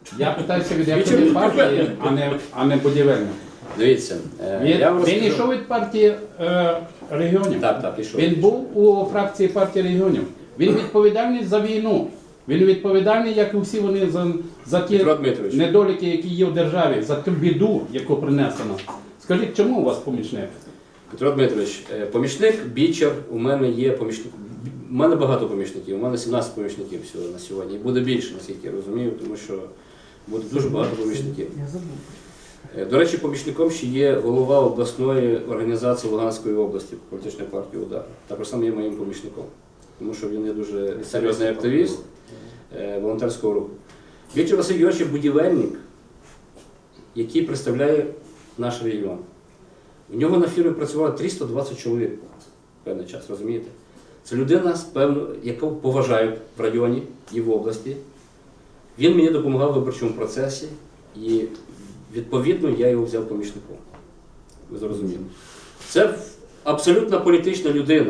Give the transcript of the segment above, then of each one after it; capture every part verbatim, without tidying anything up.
Я питаюся від якої партії, а не, а не будівельник. Дивіться, е, Він, я вам він розкажу. йшов від партії е, регіонів. Так, так, ішов. Він був у фракції партії регіонів. Він відповідальний за війну. Він відповідальний, як і всі вони, за, за ті Петро Дмитрович. недоліки, які є в державі, за ту біду, яку принесено. Скажіть, чому у вас помічник? Петро Дмитрович, е, помічник, бічер, у мене є помічник. У мене багато помічників, у мене сімнадцять помічників всього на сьогодні. І буде більше, наскільки я розумію, тому що буде дуже багато помічників. Е, До речі, помічником ще є голова обласної організації Луганської області політичної партії «Удар». Також сам є моїм помічником, тому що він є дуже серйозний активіст е, волонтерського руху. Віктор Василь Георгійович – будівельник, який представляє наш регіон. У нього на фірмі працювало триста двадцять чоловік в певний час, розумієте? Це людина, певно, яку поважають в районі і в області. Він мені допомагав в виборчому процесі і, відповідно, я його взяв помічником. Ви зрозуміли. Це абсолютно політична людина.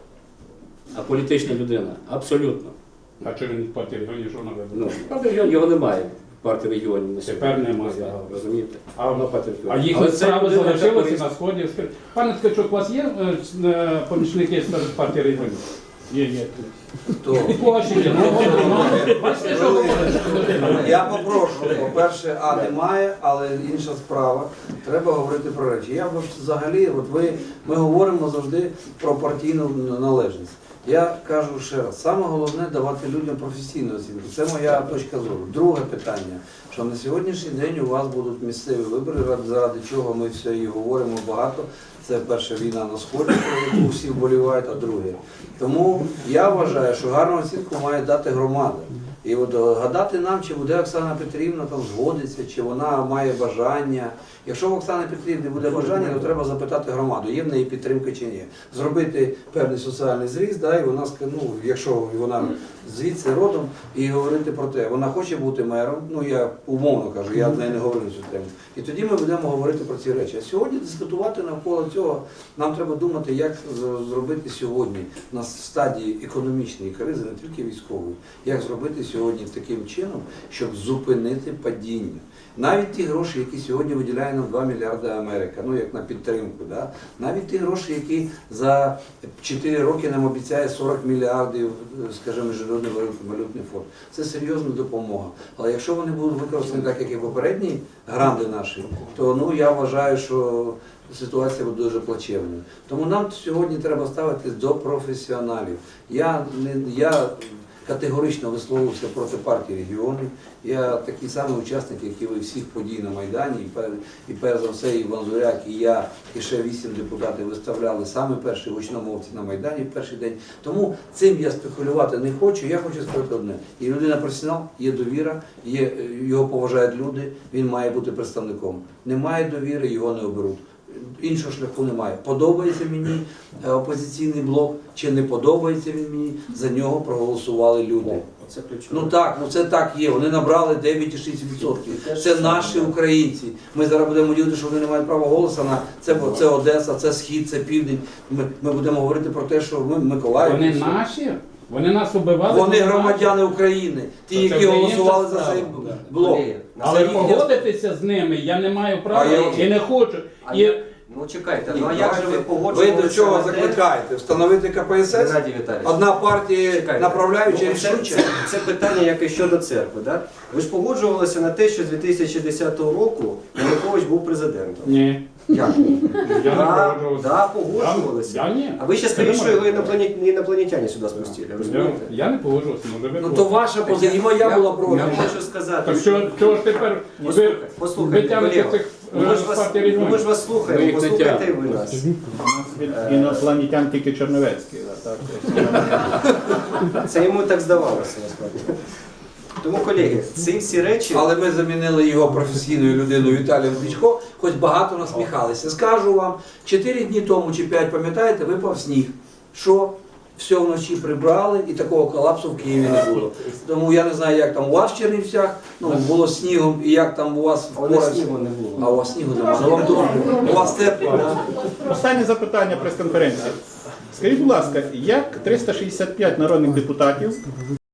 А політична людина. Абсолютно. А чи він від партії регіонів що наведено? Ну, правда, його- його немає в партії регіонів на сьогодні. Тепер немає. Розумієте? А, Вона партія а регіонів. їхні Але це справи людина, яка залишилися користь- на Сході. Скажіть, пане Ткачук, у вас є е, е, помічники серед партії регіонів? Є, є. Хто? Ваші є. Ну, ну, бачите, що говорить людина? Я попрошу, по-перше, а немає, але інша справа. Треба говорити про речі. Я б взагалі, от ви, ми говоримо завжди про партійну належність. Я кажу ще раз, саме головне давати людям професійну оцінку. Це моя точка зору. Друге питання, що на сьогоднішній день у вас будуть місцеві вибори, заради чого ми все і говоримо багато. Це перша війна на Сході, про яку всі вболівають, а друге. Тому я вважаю, що гарну оцінку має дати громада. І от гадати нам, чи буде Оксана Петрівна там згодиться, чи вона має бажання. Якщо в Оксани Петрівни буде бажання, то треба запитати громаду, є в неї підтримка чи ні. Зробити певний соціальний зріз, да, і вона ска- ну, якщо вона звідси родом, і говорити про те, вона хоче бути мером, ну я умовно кажу, я з нею не говорю на цю тему. І тоді ми будемо говорити про ці речі. А сьогодні дискутувати навколо цього, нам треба думати, як з- зробити сьогодні на стадії економічної кризи, не тільки військової, як зробити сьогодні таким чином, щоб зупинити падіння. Навіть ті гроші, які сьогодні виділяє нам два мільярди Америка, ну як на підтримку, да? Навіть ті гроші, які за чотири роки нам обіцяє сорок мільярдів, скажімо, Міжнародний валютний фонд, це серйозна допомога. Але якщо вони будуть використані так, як і попередні гранди наші, то ну, я вважаю, що ситуація буде дуже плачевною. Тому нам сьогодні треба ставитись до професіоналів. Я, не, я категорично висловився проти партії регіонів. Я такий самий учасник, як і ви, всіх подій на Майдані. І, пер, і перш за все, і Ванзуряк, і я, і ще вісім депутатів виставляли саме перші гучномовці на Майдані в перший день. Тому цим я спекулювати не хочу. Я хочу сказати одне. І людина професіонал, є довіра, є, його поважають люди, він має бути представником. Немає довіри, його не оберуть. Іншого шляху немає. Подобається мені опозиційний блок, чи не подобається він мені, за нього проголосували люди. Оце ключове. Ну так, ну це так є. Вони набрали дев'ять цілих шість десятих відсотка. Це наші українці. Ми зараз будемо ділити, що вони не мають права голосу на це, бо це Одеса, це Схід, це Південь. Ми, ми будемо говорити про те, що ми Миколаїв. Вони наші? Вони нас убивали? Вони громадяни України, ті, Це які вже голосували інша за цей справа. блок. Але Це їхня- погодитися з ними я не маю права А я- і не хочу. А І я- Ну чекайте, ну а як же ви Ви погоджувалися до чого на те- закликаєте? Встановити ка пе ес ес? Геннадій Віталійович, Одна партія чекайте. направляюча Ну, і це, рішуча. це, це питання, як і щодо церкви. Да? Ви ж погоджувалися на те, що з дві тисячі десятого року Янукович був президентом. ні. Як? Я не Да, погоджувався. да, погоджувалися. Я, я ні. А ви ще Це скажіть, що немає. його інопланет- інопланетяне сюди спустили, Я, розумієте? я не погоджувався, може ви Ну то проти. ваша позиція, і моя була проти. Я хочу сказати, Так що, чого ж тепер ви Послухайте, послухайте, витягнете колега. цих Ну, ми ж е, вас, партій ну, ми ж регіонів? вас Ми слухаємо, їх не послухайте і тягнемо. ви нас. У нас від інопланетян тільки Черновецький. да, так? Це йому так здавалося, насправді. Тому, колеги, ці всі речі... Але ми замінили його професійною людиною Віталієм Кличко, хоч багато насміхалися. Скажу вам, чотири дні тому чи п'ять, пам'ятаєте, випав сніг. Що? Все вночі прибрали і такого колапсу в Києві не було. Тому я не знаю, як там у вас в Чернівцях, ну було снігом і як там у вас А в у нас Боровці. снігу не було. А у вас снігу немає. Ну, вам добре. У вас тепло, так? Останнє запитання прес-конференції. Скажіть, будь ласка, як триста шістдесят п'ять народних депутатів